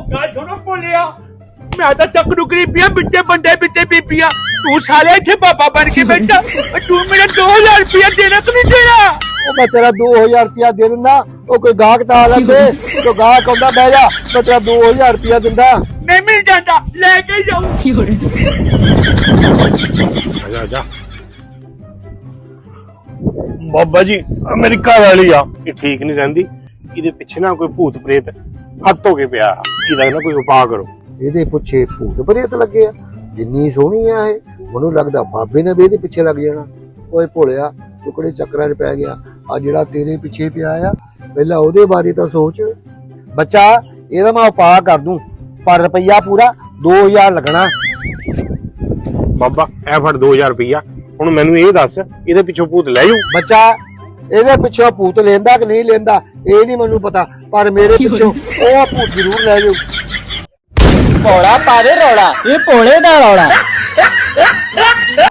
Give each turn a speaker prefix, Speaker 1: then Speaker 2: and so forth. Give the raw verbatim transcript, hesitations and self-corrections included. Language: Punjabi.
Speaker 1: ਗੱਲ ਸੁਣੋ ਭੋਲਿਆ, ਮੈਂ ਤਾਂ ਚੱਕ ਨੁਕਰੀ ਪਿਆ ਬਿੱਟੇ ਬੰਦੇ ਬਿੱਟੇ ਬੀਬੀਆਂ, ਤੂੰ ਸਾਲੇ ਇੱਥੇ ਬਾਬਾ ਬਣ ਕੇ ਬੈਠਾ। ਤੂੰ ਮੇਰਾ ਦੋ ਹਜ਼ਾਰ ਰੁਪਇਆ ਦੇਣਾ ਕਿ ਨਹੀਂ ਦੇਣਾ?
Speaker 2: ਉਹ ਮੈਂ ਤੇਰਾ ਦੋ ਹਜ਼ਾਰ ਰੁਪਇਆ ਦੇ ਦਿੰਦਾ। ਉਹ ਕੋਈ ਗਾਹਕ ਤਾਂ ਆ ਲੈਂਦੇ, ਕੋਈ ਗਾਹਕ ਆਉਂਦਾ ਬਹਿ ਜਾ, ਮੈਂ ਤੇਰਾ ਦੋ ਹਜ਼ਾਰ ਰੁਪਇਆ ਦਿੰਦਾ।
Speaker 1: ਨਹੀਂ ਮਿਲ ਜਾਂਦਾ, ਲੈ ਕੇ ਜਾਊ।
Speaker 3: ਜਾ ਜਾ ਬਾਬਾ ਜੀ, ਮੇਰੀ ਘਰ ਵਾਲੀ ਆ, ਇਹ ਠੀਕ ਨਹੀਂ ਰਹਿੰਦੀ, ਇਹਦੇ ਪਿੱਛੇ ਨਾ ਕੋਈ ਭੂਤ ਪ੍ਰੇਤ ਹੱਥ ਹੋ ਕੇ ਪਿਆ, ਇਹਦਾ ਨਾ ਕੋਈ ਉਪਾਅ ਕਰੋ।
Speaker 2: ਇਹਦੇ ਪਿੱਛੇ ਭੂਤ ਪ੍ਰੇਤ ਲੱਗੇ ਆ? ਜਿੰਨੀ ਸੋਹਣੀ ਆ ਇਹ, ਮੈਨੂੰ ਲੱਗਦਾ ਬਾਬੇ ਨੇ ਵੀ ਇਹਦੇ ਪਿੱਛੇ ਲੱਗ ਜਾਣਾ। ਓਏ ਭੋਲਿਆ, ਟੁਕੜੇ ਚੱਕਰਾਂ 'ਚ ਪੈ ਗਿਆ। ਆ ਜਿਹੜਾ ਤੇਰੇ ਪਿੱਛੇ ਪਿਆ ਆ, ਪਹਿਲਾਂ ਉਹਦੇ ਬਾਰੇ ਤਾਂ ਸੋਚ। ਬੱਚਾ, ਇਹਦਾ ਮੈਂ ਉਪਾਅ ਕਰ ਦੂੰ, ਪਰ ਰੁਪਈਆ ਪੂਰਾ ਦੋ ਹਜ਼ਾਰ ਲੱਗਣਾ।
Speaker 3: ਬਾਬਾ ਐ ਫੜ ਦੋ ਹਜ਼ਾਰ ਰੁਪਈਆ, ਹੁਣ ਮੈਨੂੰ ਇਹ ਦੱਸ, ਇਹਦੇ ਪਿੱਛੋਂ ਭੂਤ ਲੈ ਜਾਊ?
Speaker 2: ਬੱਚਾ, ਇਹਦੇ ਪਿੱਛੋਂ ਭੂਤ ਲੈਂਦਾ ਕਿ ਨਹੀਂ ਲੈਂਦਾ ਇਹ ਨਹੀਂ ਮੈਨੂੰ ਪਤਾ, ਪਰ ਮੇਰੇ ਪਿੱਛੋਂ ਉਹ ਭੂਤ ਜ਼ਰੂਰ ਲੈ ਜਾਊ।
Speaker 4: ਭੋਲਾ ਪਾਵੇ ਰੌਲਾ, ਇਹ ਭੋਲੇ ਦਾ ਰੌਲਾ।